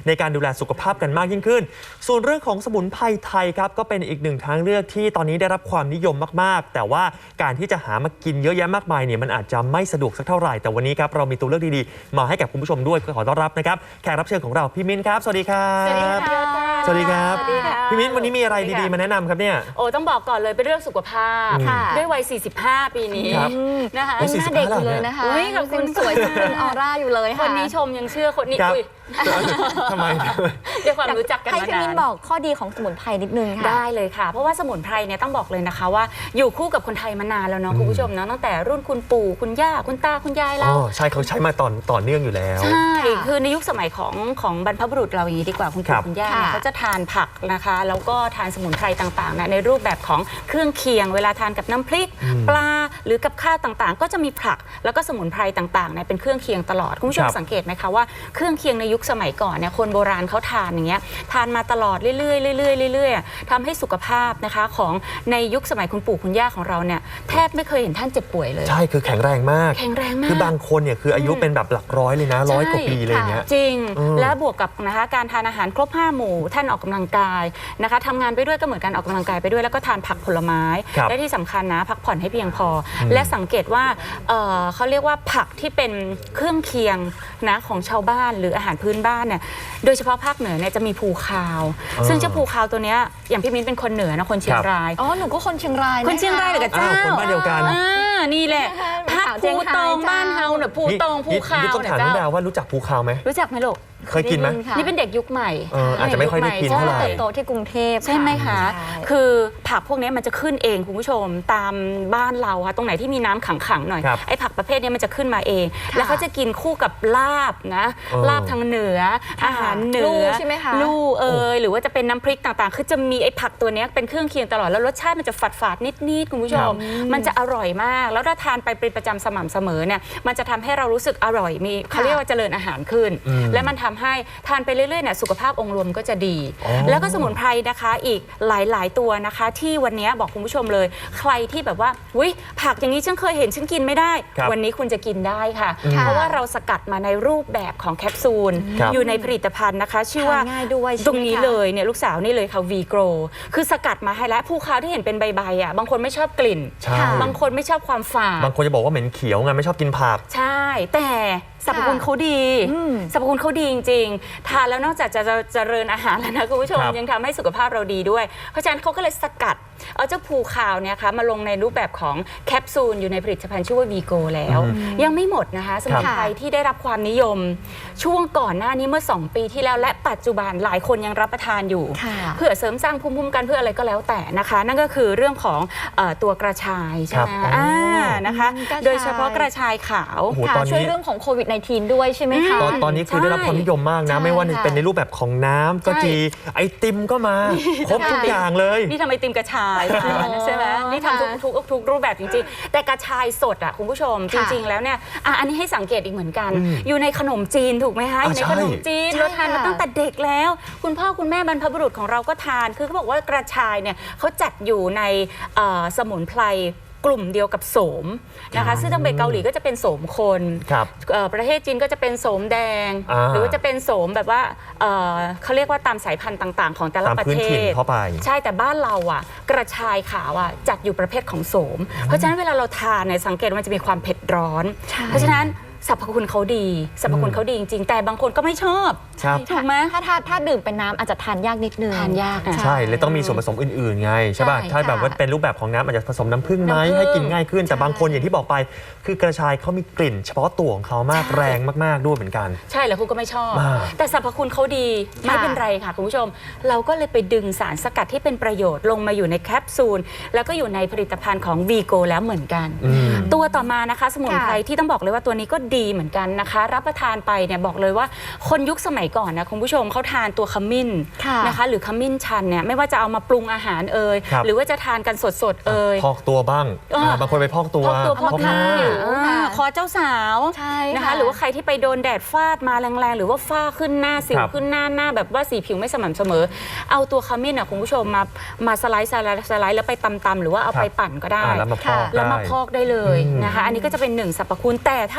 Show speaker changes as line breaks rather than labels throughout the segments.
ในการดูแลสุขภาพกันมากยิ่งขึ้นส่วนเรื่องของสมุนไพรไทยครับก็เป็นอีกหนึ่งทางเลือกที่ตอนนี้ได้รับความนิยมมากๆแต่ว่าการที่จะหามากินเยอะแยะมากมายเนี่ยมันอาจจะไม่สะดวกสักเท่าไหร่แต่วันนี้ครับเรามีตัวเลือกดีๆมาให้กับคุณผู้ชมด้วยขอต้อนรับนะครับแขกรับเชิญของเราพี่มิ้นครับสวัสดีครับสวัสดีครับพี่มิ้นวันนี้มีอะไรดีๆมาแนะนำครับเนี่ย
โอ้ต้องบอกก่อนเลยเป็นเรื่องสุขภาพด้วยวัย45 ปีนี้นะคะ
หน้าเด็กอยู่เลยนะคะคุณสวยคุณออร่าอยู่เลยค่ะ
คนนี้ชมยังเชื่อคนนี้
ทำไม
ด้วยความรู้จักกันมานาน
ให้พี่มิ้นบอกข้อดีของสมุนไพรนิดนึงค่ะ
ได้เลยค่ะเพราะว่าสมุนไพรเนี่ยต้องบอกเลยนะคะว่าอยู่คู่กับคนไทยมานานแล้วเนาะคุณผู้ชมเนาะตั้งแต่รุ่นคุณปู่คุณย่าคุณตาคุณยายเรา
ใช่เขาใช้มาต่อเนื่องอยู่แล้ว
ใช่คือในยุคสมัยของบรรพบุรุษเราอย่างนี้ดีกว่าคุณปู่คุณย่าเนี่ยเขาจะทานผักนะคะแล้วก็ทานสมุนไพรต่างๆในรูปแบบของเครื่องเคียงเวลาทานกับน้ำพริกปลาหรือกับข้าวต่างๆก็จะมีผักแล้วก็สมุนไพรต่างๆเป็นเครื่องเคียงตลอดคุณผู้ชมสังเกตไหมคะว่าเครื่องเคียงในยุคสมัยก่อนเนี่ยคนโบราณเขาทานอย่างเงี้ยทานมาตลอดเรื่อยๆทำให้สุขภาพนะคะของในยุคสมัยคุณปู่คุณย่าของเราเนี่ยแทบไม่เคยเห็นท่านเจ็บป่วยเลย
ใช่คือแข็งแรงมากคือบางคนเนี่ยคืออายุเป็นแบบหลักร้อยเลยนะ100 กว่าปีเลยเนี่ย
จริงและบวกกับนะคะการทานอาหารครบ5 หมู่ท่านออกกำลังกายนะคะทำงานไปด้วยก็เหมือนการออกกำลังกายไปด้วยแล้วก็ทานผักผลไม้และที่สำคัญนะพักผ่อนให้เพียงพอและสังเกตว่าเขาเรียกว่าผักที่เป็นเครื่องเคียงนะของชาวบ้านหรืออาหารพื้นบ้านเนี่ยโดยเฉพาะภาคเหนือเนี่ยจะมีภูคาวซึ่งเจ้าภูคาวตัวเนี้ยอย่างพี่มิ้นเป็นคนเหนือนะคนเชียงราย
หนูก็คนเชียงราย
คนเชียงรายเหมือนกับเจ้า
คนบ้านเดียวกัน
นี่แหละผักภูตองบ้านเฮาเนี่ยภูตองภูคาว
เนี่ยเจ้าต้องถามน้องดาวว่ารู้จักภูคาวไหม
รู้จักไหมลูก
เคยกินไหม
นี่เป็นเด็กยุคใหม่
อาจจะไม่ค่อยได้กินเท่าไหร่
เติบโตที่กรุงเทพ
ใช่ไหมคะคือผักพวกนี้มันจะขึ้นเองคุณผู้ชมตามบ้านเราค่ะตรงไหนที่มีน้ำขังๆหน่อยไอ้ผักประเภทนี้มันจะขึ้นมาเองแล้วเขาจะกินคู่กับลาบนะลาบทางเหนืออาหารเหนือ
ใช่ไหมคะ
ลู่หรือว่าจะเป็นน้ำพริกต่างๆคือจะมีไอ้ผักตัวนี้เป็นเครื่องเคียงตลอดแล้วรสชาติมันจะฝาดๆนิดๆคุณผู้ชมมันจะอร่อยมากแล้วถ้าทานไปเป็นประจำสม่ำเสมอเนี่ยมันจะทำให้เรารู้สึกอร่อยมีเขาเรียกว่าเจริญอาหารขึ้นและมันทำให้ทานไปเรื่อยๆเนี่ยสุขภาพองค์รวมก็จะดีแล้วก็สมุนไพรนะคะอีกหลายๆตัวนะคะที่วันนี้บอกคุณผู้ชมเลยใครที่แบบว่าอุ๊ยผักอย่างนี้ฉันเคยเห็นฉันกินไม่ได้วันนี้คุณจะกินได้ค่ะเพราะว่าเราสกัดมาในรูปแบบของแคปซูลอยู่ในผลิตภัณฑ์นะคะชื่อว่าตรงนี้เลยเนี่ยลูกสาวนี่เลยค่ะ V-Grow คือสกัดมาให้แล้วภูคาวที่เห็นเป็นใบๆอ่ะบางคนไม่ชอบกลิ่นบางคนไม่ชอบความฝาด
บางคนจะบอกว่าเหม็นเขียวไงไม่ชอบกินผัก
ใช่แต่สรรพคุณเขาดีสรรพคุณเขาดีจริงๆทานแล้วนอกจากจะเจริญอาหารแล้วนะคุณผู้ชมยังทำให้สุขภาพเราดีด้วยเพราะฉะนั้นเขาก็เลยสกัดเอาเจ้าภูคาวเนี่ยค่ะมาลงในรูปแบบของแคปซูลอยู่ในผลิตภัณฑ์ชื่อว่า V-Go แล้วยังไม่หมดนะคะสมุนไพรที่ได้รับความนิยมช่วงก่อนหน้านี้เมื่อ2 ปีที่แล้วและปัจจุบันหลายคนยังรับประทานอยู่เพื่อเสริมสร้างภูมิคุ้มกันเพื่ออะไรก็แล้วแต่นะคะนั่นก็คือเรื่องของตัวกระชายใช่ไหมนะคะโดยเฉพาะกระชายขาว
ช่วยเรื่องของโควิด-19 ด้วยใช่ไหมคะ
ตอนนี้คือได้รับความนิยมมากนะไม่ว่าจะเป็นในรูปแบบของน้ำก็ดีไอติมก็มาครบทุกอย่างเลย
นี่ทำไอติมกระชายใช่ไหมนี่ทำทุกรูปแบบจริงๆแต่กระชายสดอ่ะคุณผู้ชมจริงๆแล้วเนี่ยอันนี้ให้สังเกตอีกเหมือนกันอยู่ในขนมจีนถูกไหมคะอยู่ในขนมจีนเราทานมาตั้งแต่เด็กแล้วคุณพ่อคุณแม่บรรพบุรุษของเราก็ทานคือเขาบอกว่ากระชายเนี่ยเขาจัดอยู่ในสมุนไพรกลุ่มเดียวกับโสมนะคะซึ่งทางเกาหลีก็จะเป็นโสมคนประเทศจีนก็จะเป็นโสมแดงหรือว่าจะเป็นโสมแบบว่าเขาเรียกว่าตามสายพันธุ์ต่างๆของแต่ละประเทศใช่แต่บ้านเราอ่ะกระชายขาวอ่ะจัดอยู่ประเภทของโสมเพราะฉะนั้นเวลาเราทานเนี่ยสังเกตว่ามันจะมีความเผ็ดร้อนเพราะฉะนั้นสรรพคุณเขาดีสรรพคุณเขาดีจริงๆแต่บางคนก็ไม่ชอบถูกไหม
ถ้าดื่มเป็นน้ำอาจจะทานยากนิดนึง
ทานยาก
ใช่เลยต้องมีส่วนผสมอื่นๆไงใช่ป่ะถ้าแบบว่าเป็นรูปแบบของน้ำอาจจะผสมน้ำผึ้งไหมให้กินง่ายขึ้นแต่บางคนอย่างที่บอกไปคือกระชายเขามีกลิ่นเฉพาะตัวของเขามากแรงมากๆด้วยเหมือนกัน
ใช่แล้วคุณก็ไม่ชอบแต่สรรพคุณเขาดีไม่เป็นไรค่ะคุณผู้ชมเราก็เลยไปดึงสารสกัดที่เป็นประโยชน์ลงมาอยู่ในแคปซูลแล้วก็อยู่ในผลิตภัณฑ์ของ V-Go แล้วเหมือนกันตัวต่อมานะคะสมุนไพรที่ต้องบอกเลยว่าตัวนี้ก็ดีเหมือนกันนะคะรับประทานไปเนี่ยบอกเลยว่าคนยุคสมัยก่อนนะคุณผู้ชมเขาทานตัวขมิ้นนะคะหรือขมิ้นชันเนี่ยไม่ว่าจะเอามาปรุงอาหารหรือว่าจะทานกันสด
พอกตัวบ้างบางคนไปพอกตัว
พอกหน้าคอเจ้าสาวนะคะหรือว่าใครที่ไปโดนแดดฟาดมาแรงๆหรือว่าฝ้าขึ้นหน้าสิวขึ้นหน้าแบบว่าสีผิวไม่สม่ำเสมอเอาตัวขมิ้นคุณผู้ชมมาสไลด์แล้วไปตำหรือว่าเอาไปปั่นก็ได้แล้วมาพอกได้เลยนะคะอันนี้ก็จะเป็น1 สรรพคุณแต่ถ้ารับประ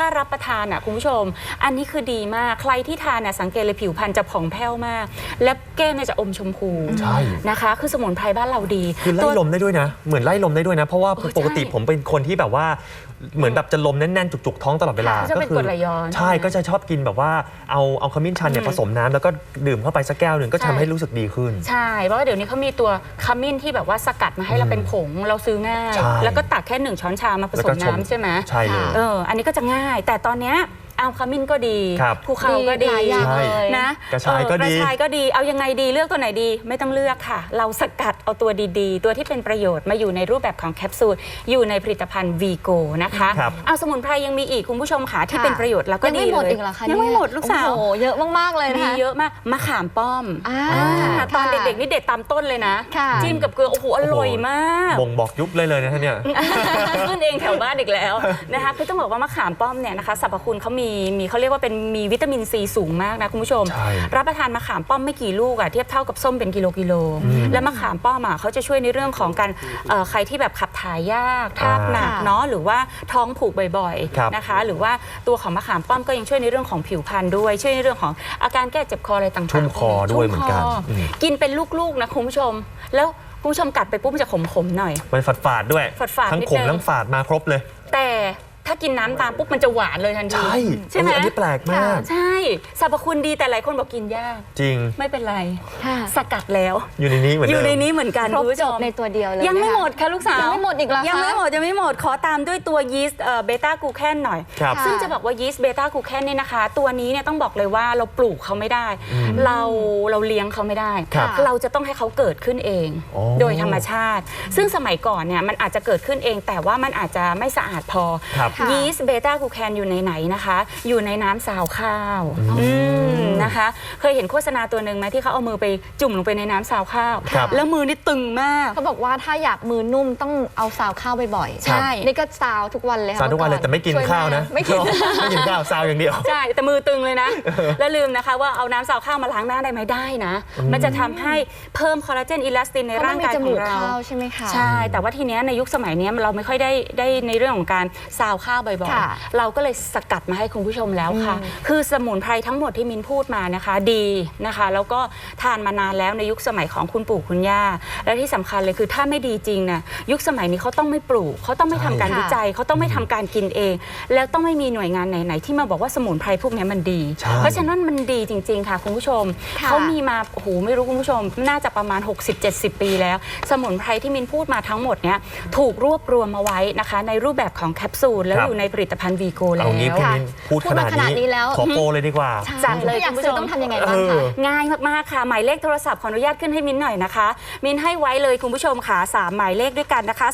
ทานอ่ะคุณผู้ชมอันนี้คือดีมากใครที่ทานน่ะสังเกตเลยผิวพรรณจะผ่องแผ้วมากและแก้มเนี่ยจะอมชมพูนะคะคือสมุนไพรบ้านเราดี
คือไล่ลมได้ด้วยนะเหมือนไล่ลมได้ด้วยนะเพราะว่าปกติผมเป็นคนที่แบบว่าเหมือนแบบจะลมแน่นๆจุกๆท้องตลอดเวลา
ก็คือ
ใช่ก็จะชอบกินแบบว่าเอาขมิ้นชันเนี่ยผสมน้ำแล้วก็ดื่มเข้าไปสักแก้วหนึ่งก็ทำให้รู้สึกดีขึ้น
ใช่เพราะว่าเดี๋ยวนี้เขามีตัวขมิ้นที่แบบว่าสกัดมาให้เราเป็นผงเราซื้อง่ายแล้วก็ตักแค่1 ช้อนชามาผสมน้ำใช่ไหม
ใช่เลย
อันนี้ก็จะง่ายแต่ตอนเนี้ยเอาขมิ้นก็ดีภูเขาก็ดีนะ
กระชายก็
ดีเอายังไงดีเลือกตัวไหนดีไม่ต้องเลือกค่ะเราสกัดเอาตัวดีๆตัวที่เป็นประโยชน์มาอยู่ในรูปแบบของแคปซูลอยู่ในผลิตภัณฑ์วีโกนะคะเอาสมุนไพรยังมีอีกคุณผู้ชมค่ะที่เป็นประโยชน์แล้วก็ดีเลยยังไม่หมดลูกสาว
เยอะมากๆเลยนะคะ
เยอะมากมะขามป้อมตอนเด็กๆนี่เด็ดตามต้นเลยนะจิ้มกับเกลือโอ้โหอร่อยมาก
บ่งบอกยุคเลยนะท่านเนี่ย
ขึ้นเองแถวบ้านอีกแล้วนะคะคือต้องบอกว่ามะขามป้อมเนี่ยนะคะสรรพคุณเขามีเขาเรียกว่าเป็นมีวิตามินซีสูงมากนะคุณผู้ชมรับประทานมะขามป้อมไม่กี่ลูกเทียบเท่ากับส้มเป็นกิโลและมะขามป้อมเขาจะช่วยในเรื่องของการใครที่แบบขับถ่ายยากทาบหนักเนาะหรือว่าท้องผูกบ่อยๆนะคะหรือว่าตัวของมะขามป้อมก็ยังช่วยในเรื่องของผิวพรรณด้วยช่วยในเรื่องของอาการแก้เจ็บคออะไรต่างๆ
ชุ่มคอด้วยเหมือนกัน
กินเป็นลูกๆนะคุณผู้ชมแล้วคุณผู้ชมกัดไปปุ๊บมันจะขมๆหน่อย
มันฝาดด้วยทั้งขมทั้งฝาดมาครบเลย
แต่ถ้ากินน้ำตามปุ๊บมันจะหวานเลยทันที
ใช่ไหมอันนี้แปลกมาก
ใช่สรรพคุณดีแต่หลายคนบอกกินยาก
จริง
ไม่เป็นไรสกัดแล้ว
อยู่ในนี้เหมือน
กัน
ครบจบในตัวเดียวเลย
ยังไม่หมดค่ะลูกสาว
ยังไม่หมดอีกแล้ว
ยังไม่หมดขอตามด้วยตัวยีสต์เบต้ากลูแคนหน่อยซึ่งจะบอกว่ายีสต์เบต้ากลูแคนนี่นะคะตัวนี้เนี่ยต้องบอกเลยว่าเราปลูกเขาไม่ได้เราเลี้ยงเขาไม่ได้เราจะต้องให้เขาเกิดขึ้นเองโดยธรรมชาติซึ่งสมัยก่อนเนี่ยมันอาจจะเกิดขึ้นเองแต่ว่ามันอาจจะไม่สะอาดพอยีสต์เบต้ากูแคนอยู่ในไหนนะคะอยู่ในน้ำซาวข้าวนะคะเคยเห็นโฆษณาตัวหนึ่งไหมที่เขาเอามือไปจุ่มลงไปในน้ำซาวข้าวแล้วมือนี่ตึงมาก
เขาบอกว่าถ้าอยากมือนุ่มต้องเอาซาวข้าวบ่อยๆ
ใช่
นี่ก็ซาวทุกวันเลย
ซาวทุกวันเลยแต่ไม่กินข้าวนะไม่กินข้าวซาวอย่างเดียว
ใช่แต่มือตึงเลยนะแล้วลืมนะคะว่าเอาน้ำซาวข้าวมาล้างหน้าได้ไหมได้นะมันจะทำให้เพิ่มคอลลาเจนอิลาสตินในร่างกายของเรา
ใช่ไหมคะ
ใช่แต่ว่าทีนี้ในยุคสมัยนี้เราไม่ค่อยได้ในเรื่องของการซาวข้าวบ่อยๆเราก็เลยสกัดมาให้คุณผู้ชมแล้วค่ะคือสมุนไพรทั้งหมดที่มินพูดมานะคะดีนะคะแล้วก็ทานมานานแล้วในยุคสมัยของคุณปู่คุณย่าและที่สำคัญเลยคือถ้าไม่ดีจริงนะยุคสมัยนี้เขาต้องไม่ปลูกเขาต้องไม่ทำการวิจัยเขาต้องไม่ทำการกินเองแล้วต้องไม่มีหน่วยงานไหนๆที่มาบอกว่าสมุนไพรพวกนี้มันดีเพราะฉะนั้นมันดีจริงๆค่ะคุณผู้ชมเขามีมาโอ้โหไม่รู้คุณผู้ชมน่าจะประมาณ 60-70 ปีแล้วสมุนไพรที่มินพูดมาทั้งหมดเนี้ยถูกรวบรวมมาไว้นะคะในรูปแบบของแคปซูลแล้วอยู่ในผลิตภัณฑ์วีโกแล้ว
พูดขนาดนี้แล้วขอโปรเลยดีกว่า
จัดเลย
คุณผู้ชมต้องทำยังไงบ้างคะ
ง่ายมากๆค่ะหมายเลขโทรศัพท์ขออนุญาตขึ้นให้มินหน่อยนะคะมินให้ไว้เลยคุณผู้ชมค่ะ3หมายเลขด้วยกันนะคะ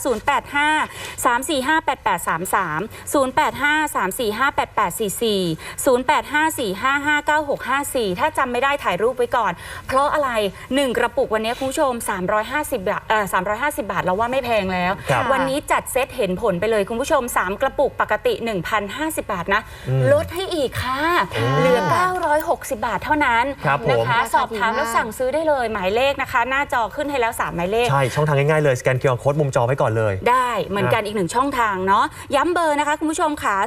085-345-8833 085-345-8844 085-455-9654ถ้าจำไม่ได้ถ่ายรูปไว้ก่อนเพราะอะไร1กระปุกวันนี้คุณผู้ชม350 บาท350 บาทเราว่าไม่แพงแล้ววันนี้จัดเซตเห็นผลไปเลยคุณผู้ชม3กระปุกปกติ 1,050 บาทนะลดให้อีกค่ะเหลือ960 บาทเท่านั้นนะคะสอบถามแล้วสั่งซื้อได้เลยหมายเลขนะคะหน้าจอขึ้นให้แล้ว3หมายเลข
ใช่ช่องทางง่ายๆเลยสแกน QR Code มุมจอไว้ก่อนเลย
ได้เหมือนกันอีก1ช่องทางเนาะย้ำเบอร์นะคะคุณผู้ชมค่ะ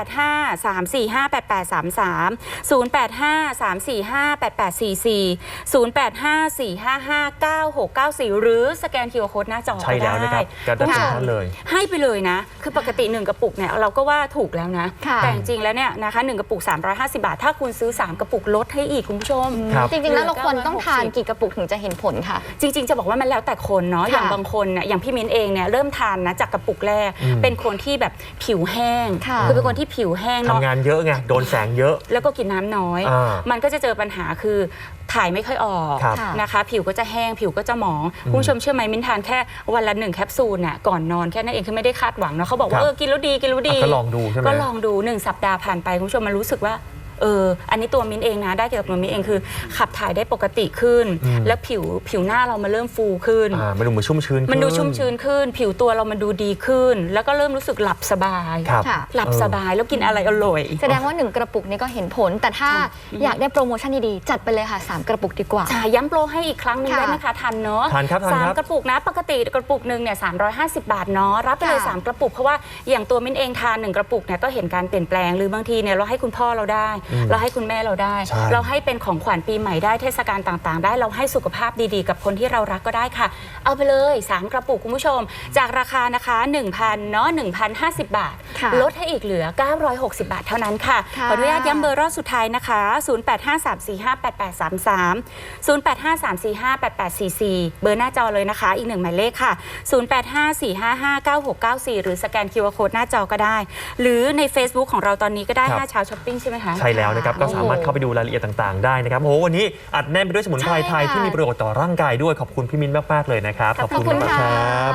085-345-8833 085-345-8844 085-455-9694หรือสแกน QR Code หน้าจอ
ใช่แล้วนะครับการตัดสินท่านเลย
ให้ไปเลยนะคือปกติ1กระปุกเนี่ยเราก็ว่าถูกแล้วนะแต่จริงๆแล้วเนี่ยนะคะ1กระปุก350 บาทถ้าคุณซื้อ3กระปุกลดให้อีกคุณผู้ชม
จริงๆแล้วเราควรต้องทานกี่กระปุกถึงจะเห็นผลค่ะ
จริงๆจะบอกว่ามันแล้วแต่คนเนาะอย่างบางคนเนี่ยอย่างพี่มิ้นเองเนี่ยเริ่มทานนะจากกระปุกแรกเป็นคนที่แบบผิวแห้งคือเป็นคนที่ผิวแห้ง
ทำงานเยอะไงโดนแสงเยอะ
แล้วก็กินน้ำน้อยมันก็จะเจอปัญหาคือถ่ายไม่ค่อยออกนะคะผิวก็จะแห้งผิวก็จะหมองคุณผู้ชมเชื่อไหมมิ้นทานแค่วันละ1แคปซูลน่ะก่อนนอนแค่นั้นเองคือไม่ได้คาดหวังนะเขาบอกว่ากินแล้วดี
ก็ลองดูใช่ไหม
ก็ลองดู1สัปดาห์ผ่านไปคุณผู้ชมมันรู้สึกว่าอันนี้ตัวมิ้นเองนะได้เกี่ยวกับตัวมิ้นเองคือขับถ่ายได้ปกติขึ้น แล้วผิวหน้าเรามาเริ่มฟูขึ้น
มันดูเหมือนชุ่มชื้น
มันดูชุ่มชื้นขึ้น ผิวตัวเรามันดูดีขึ้น แล้วก็เริ่มรู้สึกหลับสบายหลับสบายแล้วกินอะไรอร่อย
แสดงว่า1กระปุกนี้ก็เห็นผลแต่ถ้าอยากได้โปรโมชั่นดีๆจัดไปเลยค่ะ3กระปุกดีกว่า
ย้ำโปรให้อีกครั้งนึงได้ไหมคะทันเนาะ3กระปุกนะปกติกระปุกนึงเนี่ย350 บาทเนาะรับไปเลย3กระปุกเพราะว่าอย่างตัวมิ้นเองทาน1กระปุกเนี่ยก็เห็นการเปลี่ยนแปลงหรือบางทีเนี่ยเราให้คุณพ่อเราได้เราให้คุณแม่เราได้เราให้เป็นของขวัญปีใหม่ได้เทศกาลต่างๆได้เราให้สุขภาพดีๆกับคนที่เรารักก็ได้ค่ะเอาไปเลย3กระปุกคุณผู้ชมจากราคานะคะ 1,000 เนาะ 1,050 บาทลดให้อีกเหลือ960 บาทเท่านั้นค่ะขออนุญาตย้ำเบอร์รอบสุดท้ายนะคะ0853458833 0853458844เบอร์หน้าจอเลยนะคะอีก1หมายเลขค่ะ0854559694หรือสแกน QR Code หน้าจอก็ได้หรือใน Facebook ของเราตอนนี้ก็ได้5เช้าช้อปปิ้งใช่ไหมคะ
ใช่แล้วนะครับก็สามารถเข้าไปดูรายละเอียดต่างๆได้นะครับโอ้โหวันนี้อัดแน่นไปด้วยสมุนไพรไทยที่มีประโยชน์ต่อร่างกายด้วยขอบคุณพี่มิ้นมากๆเลยนะครับ
ขอบคุณมากครับ